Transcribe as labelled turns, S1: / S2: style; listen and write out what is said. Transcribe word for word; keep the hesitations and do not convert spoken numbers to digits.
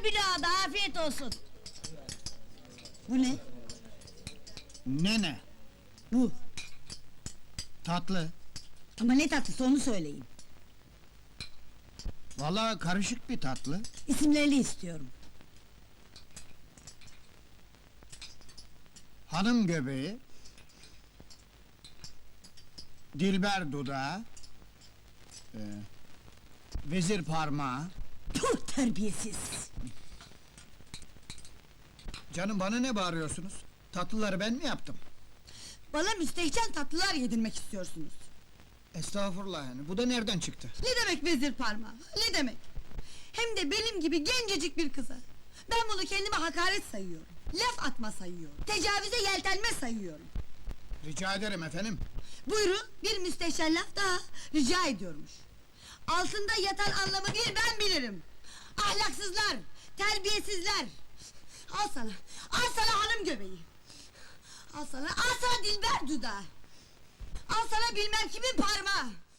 S1: Al bir daha da afiyet olsun. Bu ne?
S2: Ne ne?
S1: Bu.
S2: Tatlı.
S1: Ama ne tatlısı onu söyleyin.
S2: Vallahi karışık bir tatlı.
S1: İsimlerini istiyorum.
S2: Hanım göbeği. Dilber dudağı. e, vezir parmağı.
S1: Puh, terbiyesiz!
S2: Canım bana ne bağırıyorsunuz? Tatlıları ben mi yaptım?
S1: Bana müstehcen tatlılar yedirmek istiyorsunuz.
S2: Estağfurullah yani, bu da nereden çıktı?
S1: Ne demek vezir parmağı? Ne demek? Hem de benim gibi gencecik bir kıza. Ben bunu kendime hakaret sayıyorum. Laf atma sayıyorum. Tecavüze yeltenme sayıyorum.
S2: Rica ederim efendim.
S1: Buyurun, bir müstehcen laf daha rica ediyormuş. Altında yatan anlamı bir ben bilirim. Ahlaksızlar, terbiyesizler. Al sana, al sana hanım göbeği. Al sana, al sana dilber dudağı. Al sana bilmem kimin parmağı.